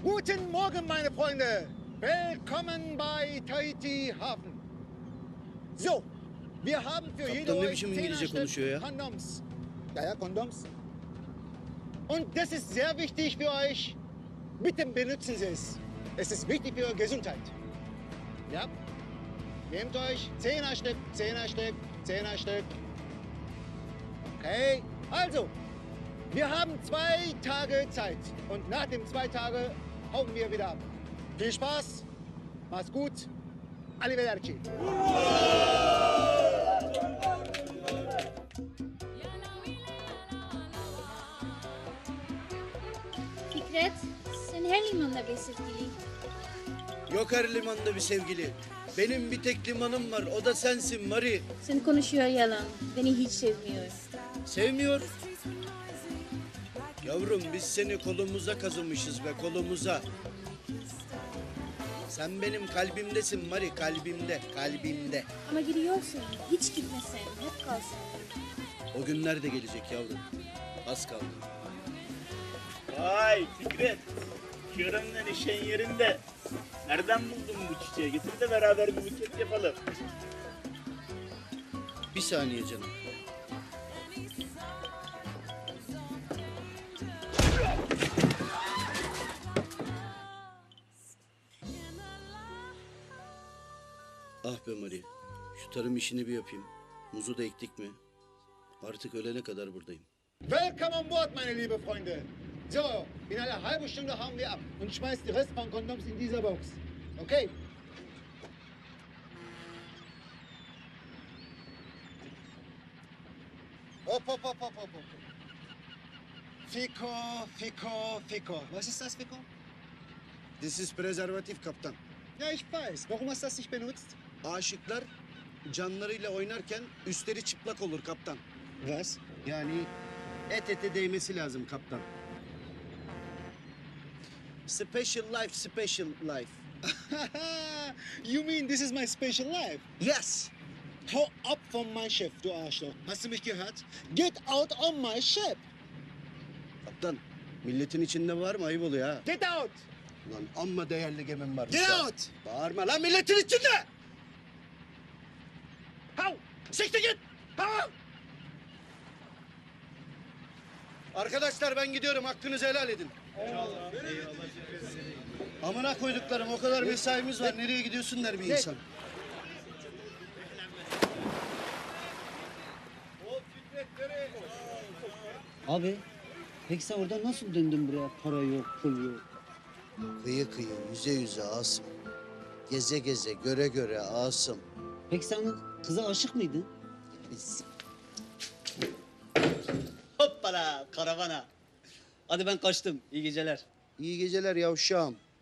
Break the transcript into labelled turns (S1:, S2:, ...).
S1: Guten Morgen, meine Freunde. Willkommen bei Tahiti Hafen. So, wir haben für jede
S2: Kaptan ne
S1: euch
S2: biçim
S1: 10
S2: İngilizce
S1: Stück
S2: konuşuyor ya?
S1: Kondoms. Ja, Kondoms. Und das ist sehr wichtig für euch. Bitte benutzen Sie es. Es ist wichtig für eure Gesundheit. Ja? Nehmt euch 10 Stück, 10 Stück, 10 Stück. Okay, also, wir haben 2 Tage Zeit. Und nach den 2 Tagen hauen wir wieder ab. Viel Spaß, macht's gut. Arrivederci.
S3: Fikret, sen her limanda bir sevgili.
S2: Yok her limanda bir sevgili. Benim bir tek limanım var, o da sensin Mari.
S3: Sen konuşuyor yalan. Beni hiç sevmiyor.
S2: Sevmiyor. Yavrum biz seni kolumuza kazımışız be, kolumuza. Sen benim kalbimdesin Mari, kalbimde, kalbimde.
S3: Ama gidiyorsun. Hiç gitmesen. Hep kalsın.
S2: O günler de gelecek yavrum. Az kaldı.
S4: Vay Fikret. Şırınla işin yerinde. Nereden buldun bu çiçeği? Getir de beraber bir buket yapalım.
S2: Bir saniye canım. Ah be Mari. Şu tarım işini bir yapayım. Muzu da ektik mi? Artık ölene kadar buradayım.
S1: Willkommen an Bord, meine liebe Freunde. So, in einer halben Stunde hauen wir ab und schmeißt die Rest von Kondoms in dieser Box. Okay? Hopp, hopp, hopp, hopp, hopp, hopp. Fico, Fico, Fico. Was ist das, Fico?
S2: This is prezervatif kaptan.
S1: Ja, ich weiß. Warum hast du das nicht benutzt?
S2: Aşıklar canlarıyla oynarken üstleri çıplak olur kaptan.
S1: Was?
S2: Yani et ete değmesi lazım kaptan. Special life, special life.
S1: You mean this is my special life?
S2: Yes.
S1: Hau ab von meinem Schiff, du Arschloch. Hast du mich gehört? Get out on my ship.
S2: Kaptan, milletin içinde var mı? Ayıp oluyor ha.
S1: Get out.
S2: Ulan amma değerli gemim var.
S1: Get out.
S2: Bağırma lan milletin içinde!
S1: Hau. Siktir git. Hau.
S2: Arkadaşlar ben gidiyorum. Hakkınızı helal edin. Eyvallah. Amına koyduklarım o kadar mesaimiz var. Nereye gidiyorsun der bir insan.
S5: Abi, peki sen oradan nasıl döndün buraya? Para yok, pul yok.
S2: Kıyı kıyı, yüze yüze Asım. Geze geze, göre göre Asım.
S5: Peki sen kıza aşık mıydın?
S6: Hoppala karavana. Hadi ben kaçtım. İyi geceler.
S2: İyi geceler yavşağım.